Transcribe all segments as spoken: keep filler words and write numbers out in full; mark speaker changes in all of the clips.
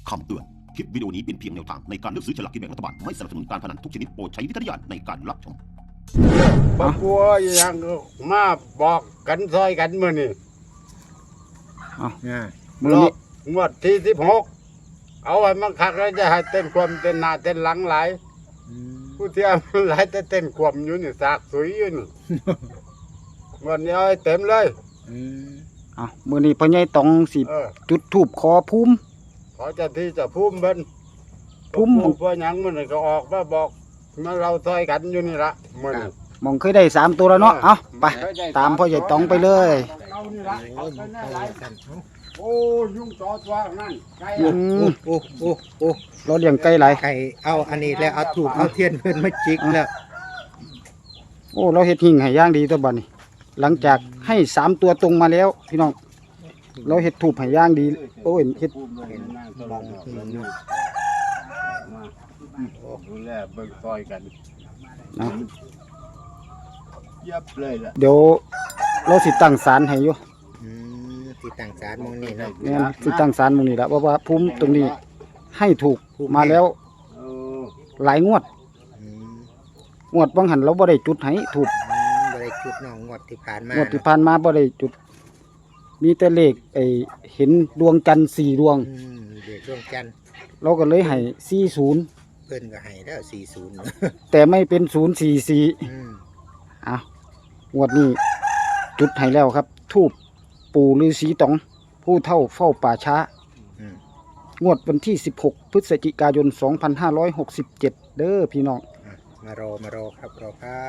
Speaker 1: คำเตือน คลิปวิดีโอนี้เป็นเพียงแนวทางในการเลือกซื้อฉลากกินแบ่งรัฐบาล ไม่สนับสนุนการพนันทุกชนิดโปรดใช้วิจารณญาณในการรับชม
Speaker 2: บ่กลัวอย่างมาบอกกันซอยกันมื้อนี้
Speaker 3: เอามื
Speaker 2: ร
Speaker 3: อ
Speaker 2: อ
Speaker 3: นี้
Speaker 2: บงวดที่สิบหกเอาไว้มันคักแล้วจะให้เต้นความเต้นหน้าเต้นหลังหลายผู้เที่ยวมันหลายแต่เต้นความอยู่นี่สากสวยอยู่นี่ วันนี้เอาให้เต็มเลย
Speaker 3: เอามือนี้พ่อใหญ่ต้องสิ
Speaker 2: เออ
Speaker 3: จุดธูปขอภูมิ
Speaker 2: ขอเจะที่จะภูมิเบิ่น
Speaker 3: ภูมิ
Speaker 2: ภูมิหยังมื้อนี้ก็ออกมาบอกมาเราซอยกันอยู่นี่ละมื้อนี้
Speaker 3: มองเคยได้สามตัวแล้วเนาะเอาไปตามพ่อใหญ่ต้องไปเลย
Speaker 2: เอานี่ละเอาไปแน่หลายโอ้ยุ่งจอตัวนั่นไกล
Speaker 3: อื
Speaker 2: อะ
Speaker 3: ม
Speaker 4: โอ้โอ้โอ้
Speaker 3: เราเลี้ยงไก่หลาย
Speaker 4: ไก่เอาอันนี้แล้วเอาถูกเอาเทียนเพิ่นมาจิกแล้ว
Speaker 3: โอ้เราเฮ็ดหิ่งให้ย่างดีตัวบัดนี้ หลังจากให้สามตัวตรงมาแล้ว พี่น้องเราเฮ็ดถูกให้ย่างดีโอ้ยเฮ็ด
Speaker 2: ภูมิเลยนั่งตลอดเลยนี่มาดูแลเบิ่งซอยกัน
Speaker 3: นะ
Speaker 2: เย็บเลยล่ะ
Speaker 3: เดี๋ยวเราสิตั้งศาลให้อยู่
Speaker 4: อืมที่ต่างสารมองนี่เนาะ
Speaker 3: แม่นสิตั้งศาลมื้อนี้ละเพราะว่าภูมิตรงนี้ให้ถูกมาแล้ว
Speaker 2: เออ
Speaker 3: หลายงวด
Speaker 4: อืม
Speaker 3: งวดบางหันเราบ่ได้จุดให้ถูก
Speaker 4: อืมบ่ได้จุดน้องงวดที่ผ่านมาง
Speaker 3: วดที่ผ่านมาบ่ได้จุด มีแต่เลขไอ้เห็นดวงจันทร์สี่ดวง
Speaker 4: อืมเด็กดวงจันทร์
Speaker 3: เราก็เลยให้สี่สิบ
Speaker 4: เพิ่นก็ให้แล้วสี่สิบ
Speaker 3: แต่ไม่เป็นศูนย์สี่สี่
Speaker 4: อืม
Speaker 3: อ่ะงวดนี้จุดให้แล้วครับ ทูบปู่ฤาษีตอง ผู้เท่าเฝ้าป่าช้า
Speaker 4: อืม
Speaker 3: งวดวันที่สิบหกพฤศจิกายนสองพันห้าร้อยหกสิบเจ็ดเด้อพี่น้อง
Speaker 4: อ่ะมารอมารอครับรอครับ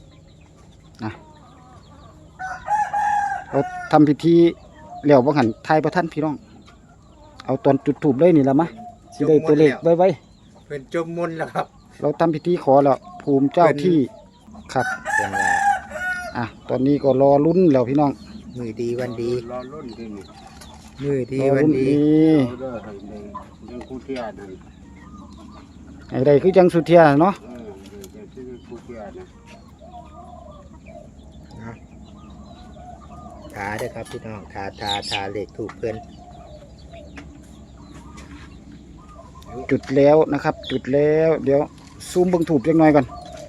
Speaker 3: เราทำพิธีแล้วบังหันทายประท่านพี่น้อง เอาตอนจุดถูบเลยนี่ละมะสิได้ตัวเลขไว้ไว้
Speaker 4: เพิ่นจมมนต์แล้วครับ
Speaker 3: เราทำพิธีขอแล้วภูมิเจ้าที่ครับ
Speaker 4: เพิ่นว่า
Speaker 3: อ่ะตอนนี้ก็รอลุ้นแล้วพี่น้อง
Speaker 4: มือดีวันดี
Speaker 2: รอรุ่นที่นี่
Speaker 4: มือดี
Speaker 3: รอ
Speaker 4: วัน
Speaker 3: ลุ้น
Speaker 4: ดี
Speaker 3: ดี
Speaker 2: เอาเด้อให้ได้ยังคู่เทียนั่น
Speaker 3: ไอ้ใดคือจังสุเทียเนาะ
Speaker 2: เออเดี๋ยวจะคู่เทียนะ
Speaker 4: นะทาเด้อครับพี่น้องทาทาทาเลขถูกเพิ่น
Speaker 3: จุดแล้วนะครับ จุดแล้วเดี๋ยวซูมเบิ่งถูบจักหน่อยก่อน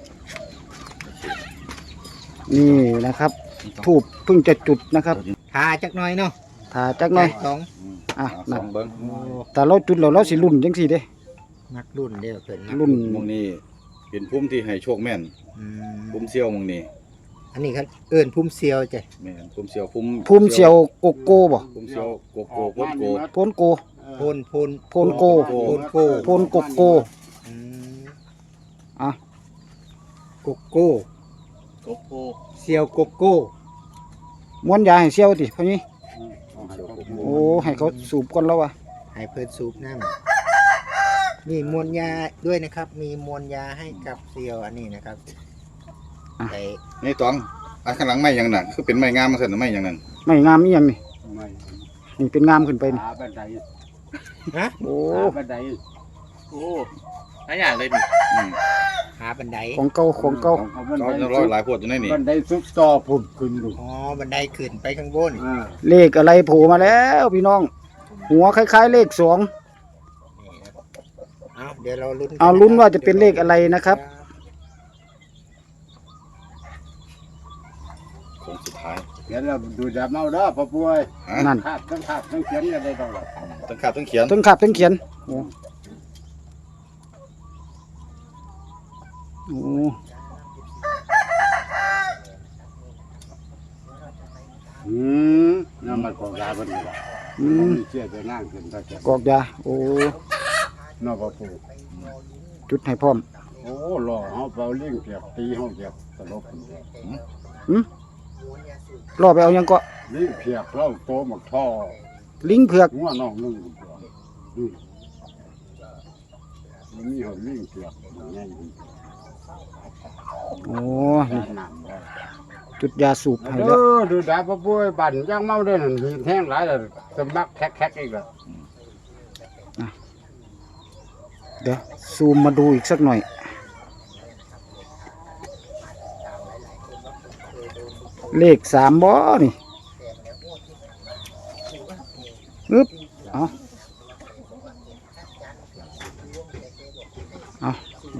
Speaker 3: นี่นะครับถูบเพิ่งจะจุดนะครับ
Speaker 4: ทาจักหน่อยเนาะ
Speaker 3: ถ้าจักหน่อย
Speaker 4: สอง
Speaker 3: อ่ะ
Speaker 5: ส
Speaker 3: นั่
Speaker 5: อน งเบิ้ง
Speaker 4: โอ้
Speaker 3: แต่เราจุดแล้วเราสิลุ่นจังสี่เด้
Speaker 4: มักรุ่นเด้อเพิ่นมัก
Speaker 3: รุ่น
Speaker 5: มองนี้เป็นพุ่มที่ให้โชคแม่น
Speaker 4: อืม
Speaker 5: พุ่มเซียวมองนี้
Speaker 4: อันนี้ครับเอิ้นพุ่มเซียวจ้ะ
Speaker 5: แม่นพุ่มเซียวพุ่ม
Speaker 3: ภูมิเสียวโกโก้บ่
Speaker 5: พุ่มเซียวโกโก้พุ่มโก
Speaker 3: โพนโก
Speaker 4: โพนโพน
Speaker 3: โพนโก
Speaker 4: โพนโก
Speaker 3: โพนโกโก
Speaker 4: อืม
Speaker 3: อ่ะ
Speaker 4: โกโก้
Speaker 5: โกโก้
Speaker 4: เซียวโกโก้
Speaker 3: ม้วนยาให้เสียวติพ่อนี้
Speaker 2: เอาให้เขา
Speaker 3: โอ้ให้เขาสูบก่อนแล้ววะ
Speaker 4: ให้เพิ่นสูบน้ำมีมวลยาด้วยนะครับ มีมวลยาให้กับเซียวอันนี้นะครับไอ้
Speaker 5: นี่ตองอันข้างหลังไม้อย่างนั้นคือเป็นไม้งามมาสั่นไม้อย่างนั้น
Speaker 3: ไม่งามอีหยังนี่
Speaker 2: ไม่
Speaker 3: นี่เป็นงามขึ้นไปนี่
Speaker 2: หาบันได
Speaker 4: ฮะ
Speaker 3: โอ้
Speaker 2: หาบันได
Speaker 6: โอ้หลายอย่างเลยดิ
Speaker 5: อืม
Speaker 4: หาบันได
Speaker 3: ของเก่าของเก่า
Speaker 2: เอาบัน
Speaker 5: ร้
Speaker 2: ได
Speaker 5: อยร้อยหลายพวดอยู่ในนี่
Speaker 2: บันไดซุกต่อพุ่นขึ้นดู
Speaker 4: อ๋อบันไดขึ้นไปข้างบน
Speaker 2: อ่า
Speaker 3: เลขอะไรโผล่มาแล้วพี่น้อง หัวคล้ายๆเลขสอง
Speaker 4: นี่ครับเอาเดี๋ยวเราลุ้นกั
Speaker 3: เอาลุ้นว่าจะเป็นเลขอะไรนะครับ
Speaker 5: โค้งสุดท้าย
Speaker 2: เดี๋ยวเราดูดาเมาเด้อพ่อป่วย
Speaker 5: ฮะ
Speaker 3: นั่น
Speaker 2: ขาดทั้งขาดทั้งเขียนกันได้ตลอด
Speaker 5: ต้องขาดต้องเขียน
Speaker 3: ทั้งขับทั้งเขียนโอ้โอ้
Speaker 2: อืมนั่นมันของยาบันนี่ล่ะ
Speaker 3: อื
Speaker 2: มัน
Speaker 3: ม
Speaker 2: มีเชื่อจะนั่งขึ้นตะแกรง
Speaker 3: กอกยาโอ้
Speaker 2: นอกพ่อปู่
Speaker 3: จุดให้พร้อม
Speaker 2: โอ้หล่อเฮาเป่าเลี้ยงเปียกตีเฮาเปียกตลกขึ้นเลย
Speaker 3: หืมรอไปเอายังก็
Speaker 2: เลี้ยงเปียกเล่าโตหมักท่อ
Speaker 3: ลิงเผือก
Speaker 2: หัวน้องนึงอืมมันมีเฮาเลี้ยงเปียกมันใหญ่ขึ้น
Speaker 3: โอ้
Speaker 2: ยา
Speaker 3: นี่
Speaker 2: น้ำได้
Speaker 3: จุดยาสูบให้
Speaker 2: เอ
Speaker 3: แล้ว
Speaker 2: อดูดาพ่อป่วยบั่นย่างเมาได้นั่นหีแห้งหลายแล้วสมักแคกๆอีกแล้ว
Speaker 3: เดี๋ยวซูมมาดูอีกสักหน่อย เลขสามบ่นี่อึ๊บเอา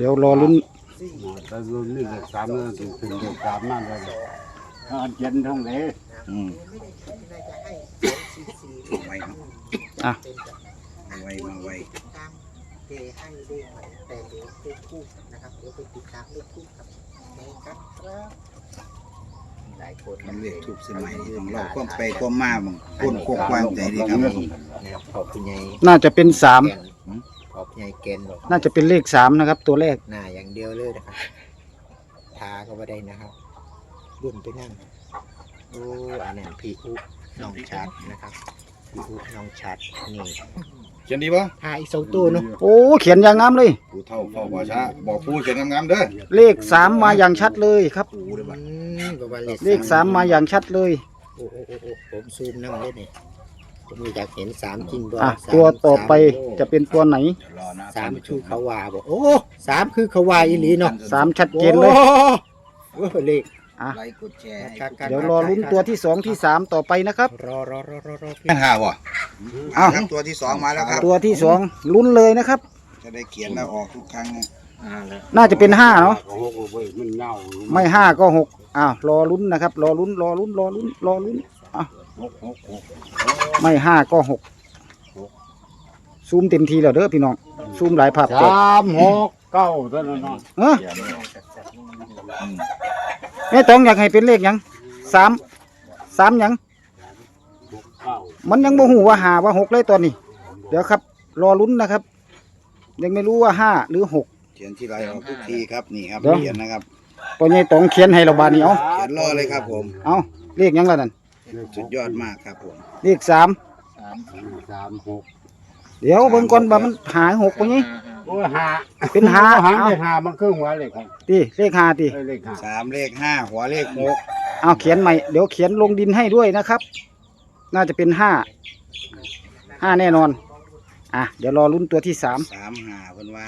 Speaker 3: เดี๋ยวรอลุ้น
Speaker 2: แต่รุ่นนี้เลขสามนั่นถึงถึงเลขสามนั่นเลยอ่าเย็นทั้งเลย
Speaker 5: อืม
Speaker 4: น่าจะให้สองสี่สี่
Speaker 5: ไวเนาะ
Speaker 3: อ่ะ
Speaker 5: มาไวมาไว
Speaker 4: ตามเกให้เลขมาแต่เดี๋ยวเลขคู่นะครับเดี๋ยวไปติดตามเลขคู่ครับในครับครับหลายคน
Speaker 5: มันเรียกทุกสมัยของเราความไปความมาบังคนควบความใจดีครับ
Speaker 4: นะครับขอบคุณยาย
Speaker 3: น่าจะเป็นสาม
Speaker 4: แกนขอบคุณยายเกณฑ์บอก
Speaker 3: น่าจะเป็นเลขสามนะครับ ตัวแรก
Speaker 4: หน้าอย่างเดียวเลยนะครับทาก็ไม่ได้นะครับรุ่นไปนั่งโอ้อันนั้นพี่อุน้องชัดนะครับพี่อุน้องชัดนี่
Speaker 5: เขียนดีปะ
Speaker 4: ทาอีกสองตัวเนาะ
Speaker 3: โอ้เขียนอย่างงามเลย
Speaker 5: ผู้เฒ่าเฝ้าว่าช้าบอกผู้เขียนงามๆเด้อ
Speaker 3: เลขสามมาอย่างชัดเลยครับ
Speaker 5: ผู้เด้อบัด
Speaker 4: อืมประมาณ
Speaker 3: เลขสามมาอย่างชัดเลย
Speaker 4: โอ้โอ้โอ้โอ้ผมซูมน้ำเลยนี่ผมอยากเห็นสามจริงบ่
Speaker 3: อ่ะ
Speaker 4: สาม
Speaker 3: ตัวต่อไป
Speaker 4: สาม
Speaker 3: จะเป็นตัวไหน
Speaker 5: เดี๋ยวรอนะ
Speaker 4: สามคือเขาว่าบอกโอ้สามคือเขาว่าอีหลีเนาะ
Speaker 3: สามชัดเจนเลย
Speaker 4: โอ้โอ้เลข
Speaker 3: อ่ะ
Speaker 5: ไลค์กดแชร์ให้
Speaker 4: ครับ
Speaker 3: เดี๋ยวรอลุ้นตัวที่สองที่สามต่อไปนะครับ
Speaker 4: รอรอรอรอรอพี่
Speaker 5: ห้าบ่
Speaker 3: อ้าว
Speaker 5: ครับตัวที่สองมาแล้วครับ
Speaker 3: ตัวที่สองลุ้นเลยนะครับ
Speaker 5: จะได้เขียนแล้วออกทุกครั้งนะ
Speaker 6: อ่าแล้ว
Speaker 3: น่าจะเป็นห้าเนาะ
Speaker 2: โอ้โหเว้ยมันเงา
Speaker 3: ไม่ห้าก็หกอ้าวรอลุ้นนะครับ รอลุ้นรอลุ้นรอลุ้นรอลุ้นอ่ะ
Speaker 2: หกหกหก
Speaker 3: ไม่ห้าก็หกซูมเต็มทีแล้วเด้อพี่น้องซูมหลายภาพแตก
Speaker 2: สามหกเก้าเท่านั้นเนาะ
Speaker 3: เออ
Speaker 5: เขียนไม่ออกอืม
Speaker 3: แม่ต้องอยากให้เป็นเลขหยังสามสามหยัง
Speaker 2: หกเก้า
Speaker 3: มันยังบ่หูว่าหาว่าหกเลยตอนนี้ เดี๋ยวครับ รอลุ้นนะครับ ยังไม่รู้ว่าห้าหรือหก
Speaker 5: เขียนที่ไรออกทุกทีครับนี่ครับ
Speaker 3: เดี๋ยว
Speaker 5: เขียนนะครับ
Speaker 3: ปอใหญ่ต้องเขียนให้เราบาดนี้เอา
Speaker 5: เขียนรอเลยครับผม
Speaker 3: เอาเลขหยังล่ะนั่น
Speaker 5: สุดยอดมากครับผม
Speaker 3: เลขสาม
Speaker 6: สาม
Speaker 2: สามหก
Speaker 3: เดี๋ยวเบิ่งก่อนว่ามันหาหกปะนี่
Speaker 2: โอ้ยหา
Speaker 3: เป็นหา
Speaker 2: หา
Speaker 3: เอา
Speaker 2: เลขหามันครึ่งหัวเลขครับ
Speaker 3: ตีเลขหาตี
Speaker 2: เอ้ยเลขหา
Speaker 5: สามเลขห้าหัวเลขหก
Speaker 3: เอาเขียนใหม่เดี๋ยวเขียนลงดินให้ด้วยนะครับ น่าจะเป็นห้าห้าแน่นอนอ่ะเดี๋ยวรอลุ้นตัวที่สาม
Speaker 5: สามห้าเพิ่นว่า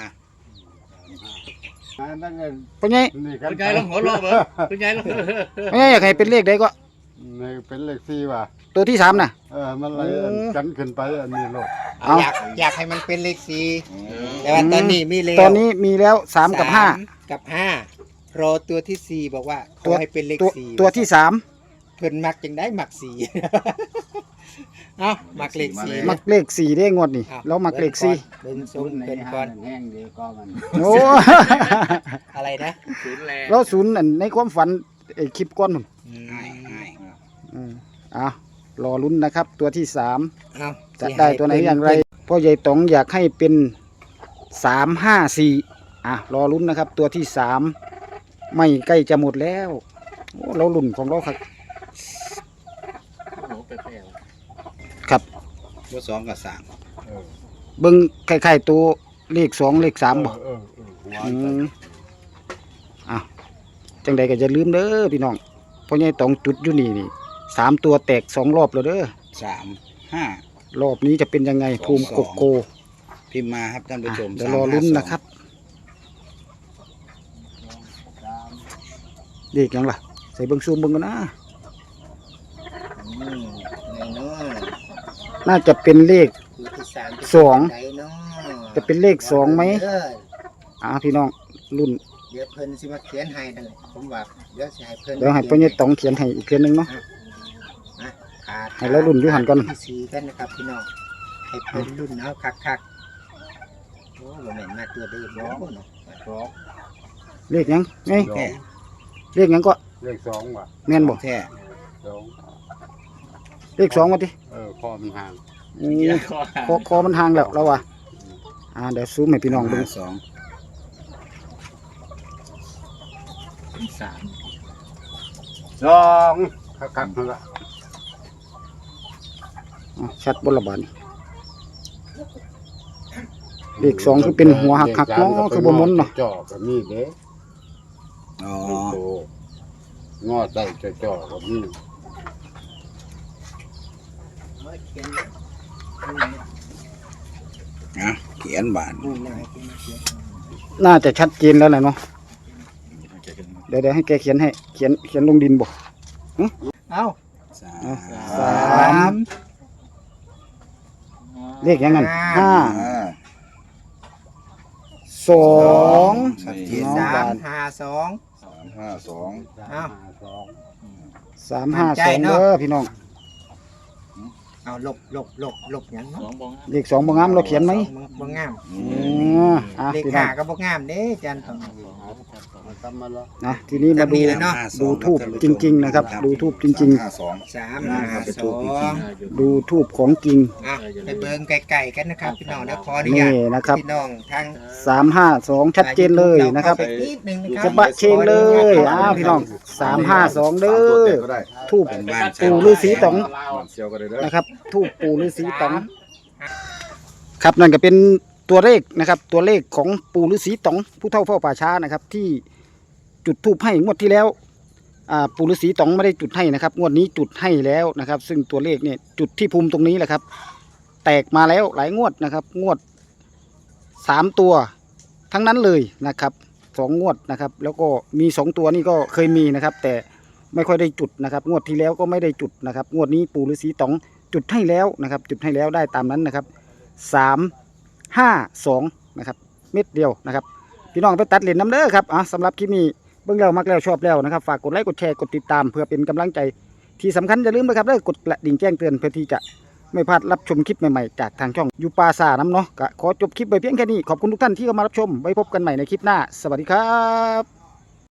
Speaker 2: อันนั้นเนี่ย
Speaker 3: ปอใหญ่
Speaker 2: นี่
Speaker 6: คุณยายลองหัวเราะเบอคุณยายลอง
Speaker 3: ปอใหญ่อยากให้เป็นเลขใดก็
Speaker 2: นี่เป็นเลขสี่ว่ะ
Speaker 3: ตัวที่สามน่ะ
Speaker 2: เออมันเลย
Speaker 3: โอ้
Speaker 2: กันขึ้นไปอันนี้โลด
Speaker 3: เอา
Speaker 4: อยากอยากให้มันเป็นเลขสี่แต่ว่าตอนนี้มีแล้ว
Speaker 3: ตอนนี้มีแล้วสามกับห้า
Speaker 4: สมกับห้ารอตัวที่สี่บอกว่าข
Speaker 3: ตั
Speaker 4: อ
Speaker 3: ว
Speaker 4: ให้เป็นเลข
Speaker 3: ตัว
Speaker 4: สี่
Speaker 3: ตัวที่สาม
Speaker 4: เพิ่นมักจังได้มักสี่ เอามักเลขสี่
Speaker 3: มักเลขสี่ได้งวดนี่
Speaker 4: อ้าว
Speaker 3: แล้วมักเลขสี่
Speaker 4: เบิ่งซุ้มเป็นก่อน
Speaker 2: แห้งดีก็มัน
Speaker 3: โอ้
Speaker 4: อะไรนะ
Speaker 6: ศูนย์แรง
Speaker 3: แล้วศูนย์อันในความฝันไอ้คลิปก้อนนู่น
Speaker 4: อืม
Speaker 5: ง่ายง่าย
Speaker 3: อืมอ่ะรอลุ้นนะครับ ตัวที่สาม
Speaker 4: เอา
Speaker 3: จะได้ตัวไหนอย่างไรพ่อใหญ่ต๋องอยากให้เป็นสามห้าสี่อ่ะรอลุ้นนะครับ ตัวที่สามไม่ใกล้จะหมดแล้วโอ้เราลุ้นของเราครับ
Speaker 6: โอ้โหเปรี้ยว
Speaker 3: ครับ
Speaker 5: ตัวสองกับสาม
Speaker 2: เออ
Speaker 3: เบิ้งคล้ายๆตัวเลขสองเลขสามบ่
Speaker 2: เออเออเออหัว
Speaker 3: อืมอ่ะจังใดก็จะลืมเด้อพี่น้องพ่อใหญ่ต๋องจุดอยู่นี่นี่สามตัวแตกสองรอบแล้วเด้อ
Speaker 5: สามห้าร
Speaker 3: อบนี้จะเป็นยังไงภูมิโกโก
Speaker 5: พิมพ์มาครับท่านผู้
Speaker 3: อ่ะ
Speaker 5: ชม
Speaker 3: เดี๋ยวรอลุ้นนะครับเลขหยังล่ะ ใส่เบิ้งซูมเบิ้งกันนะ
Speaker 4: อืมไหนเนาะ
Speaker 3: น่าจะเป็นเลข
Speaker 4: ตัวที่สามจะ
Speaker 3: สอง
Speaker 4: ไหนเนาะ
Speaker 3: จะเป็นเลขสองไหม
Speaker 4: เออ
Speaker 3: อ่าพี่น้องรุ่น
Speaker 4: เดี๋ยวเพิ่นสิมาเขียนให้นั่นแหละผมว่าเดี๋ยวสิให้เพิ่น
Speaker 3: เดี๋ยวให้พ่อใหญ่ต๋องเขียนให้อีกเทียนหนึงเนาะ
Speaker 4: อ่ะขาด
Speaker 3: ให้เรารุ่นอยู่หั่นก่อน
Speaker 4: ที่สี่กันนะครับพี่น้องให้เพิ่นรุ่นเอาคักๆโอ้บ่แม่นมาตัวเดิมเนาะเนาะ
Speaker 2: สอง
Speaker 3: เลขหยังไง
Speaker 2: สอง
Speaker 3: เลขหยังก็
Speaker 2: เลขสองว่ะ
Speaker 3: แม่นบ่
Speaker 5: แท้
Speaker 2: สอง
Speaker 3: เลขสองมาดิ
Speaker 2: เออข้อมันห่าง
Speaker 3: อื
Speaker 6: ๆ
Speaker 3: ม
Speaker 6: เดี๋ยวคอหา
Speaker 3: คอคอมันห่างแล้วเราว่ะอ่าเดี๋ยวซูมให้พี่น้องดู
Speaker 5: ห้าสอง
Speaker 6: สาม
Speaker 2: สองคักคักๆนั่นละ
Speaker 3: อ่ะชัดบนระบาดนี่เลขสองคือเป็นหัวหักหักๆเนาะคือบ่หมุนเนาะ
Speaker 2: จ่อก็มีเด้
Speaker 5: อ๋อ
Speaker 2: โตงอใส่จ่อๆก็มี
Speaker 4: มาเขียน
Speaker 5: นะเขียนบาน
Speaker 4: รุ่นหน้าให้เขียนเขียน
Speaker 3: น่าจะชัดเจนแล้วแหละเนาะเดี๋ยวเดี๋ยวให้แกเขียนให้เขียนเขียนลงดินบ่
Speaker 4: เอ้า
Speaker 5: สา
Speaker 3: อ่ะ
Speaker 5: ม
Speaker 3: สามเลขหยังงั้นห้า
Speaker 5: อ่า
Speaker 3: สอง
Speaker 5: ชัดเจน
Speaker 3: น้อง
Speaker 4: สา
Speaker 3: บาม น
Speaker 4: ห้าสอง
Speaker 5: สามห้าสอง
Speaker 4: อ้าว
Speaker 3: สามห้าสอง
Speaker 4: มั่นใจเน
Speaker 3: เด้
Speaker 4: อะ
Speaker 3: อพี่น้อง
Speaker 4: เอาลบลบลบลบหยัง
Speaker 6: ส
Speaker 4: เนาะ
Speaker 6: องบอง
Speaker 3: เลขสองบ่งามเราเขียนไหม
Speaker 4: สองบ่งาม
Speaker 3: อ๋ออ่ะ
Speaker 4: เลข
Speaker 3: พี่น้อ
Speaker 4: ห้าง ก็บ่งามเด้อาจารย์ต้อง
Speaker 2: ทำมาแล้ว
Speaker 3: นะทีนี้มาดู
Speaker 4: จำนี่แหละเนาะ
Speaker 3: ดูทูบจริง ๆ นะครับ ดูทูบจริง
Speaker 5: ห้าสอง
Speaker 4: สามห้าสอง
Speaker 3: ๆ ดูทูบของจริง
Speaker 4: อ่ะไปเบิ่งไกลๆกันนะครับพี่น้องนะขออนุญา
Speaker 3: นี่
Speaker 4: ต
Speaker 3: นะครับ
Speaker 4: พี่น้องทาง
Speaker 3: สามห้าสองชัดเจนเลยนะครับ
Speaker 4: เข้าไปนิดนึงนะครั
Speaker 3: จะบะเชงเลยอ้าวพี่น้องสามห้าสองเด้อทูบ
Speaker 5: เป็นบ้าน
Speaker 3: ปู่ฤาษีต๋อง
Speaker 5: เชียวกันเลยเด้อ
Speaker 3: นะครับทูบปู่ฤาษีต๋องครับนั่นก็เป็นตัวเลขนะครับ ตัวเลขของปู่ฤาษีต๋องผู้เฒ่าเฝ้าป่าช้านะครับ ที่จุดทูบให้งวดที่แล้วอ่าปู่ฤาษีต๋องไม่ได้จุดให้นะครับงวดนี้จุดให้แล้วนะครับ ซึ่งตัวเลขเนี่ยจุดที่ภูมิตรงนี้แหละครับ แตกมาแล้วหลายงวดนะครับ งวดสามตัวทั้งนั้นเลยนะครับสองงวดนะครับ แล้วก็มีสองตัวนี่ก็เคยมีนะครับ แต่ไม่ค่อยได้จุดนะครับ งวดที่แล้วก็ไม่ได้จุดนะครับ งวดนี้ปู่ฤาษีต๋องจุดให้แล้วนะครับ จุดให้แล้วได้ตามนั้นนะครับสามห้าสองนะครับ เม็ดเดียวนะครับ พี่น้องไปตัดเหรียญน้ำเด้อครับอ่ะสำหรับคลิปนี้เบิ่งแล้วมักแล้วชอบแล้วนะครับ ฝากกดไลค์กดแชร์กดติดตามเพื่อเป็นกำลังใจที่สำคัญอย่าลืมนะครับเด้อกดกระดิ่งแจ้งเตือนเพื่อที่จะไม่พลาดรับชมคลิปใหม่ๆจากทางช่องยูปาซาน้ำเนาะก็ขอจบคลิปไปเพียงแค่นี้ขอบคุณทุกท่านที่เข้ามารับชมไว้พบกันใหม่ในคลิปหน้าสวัสดีครับ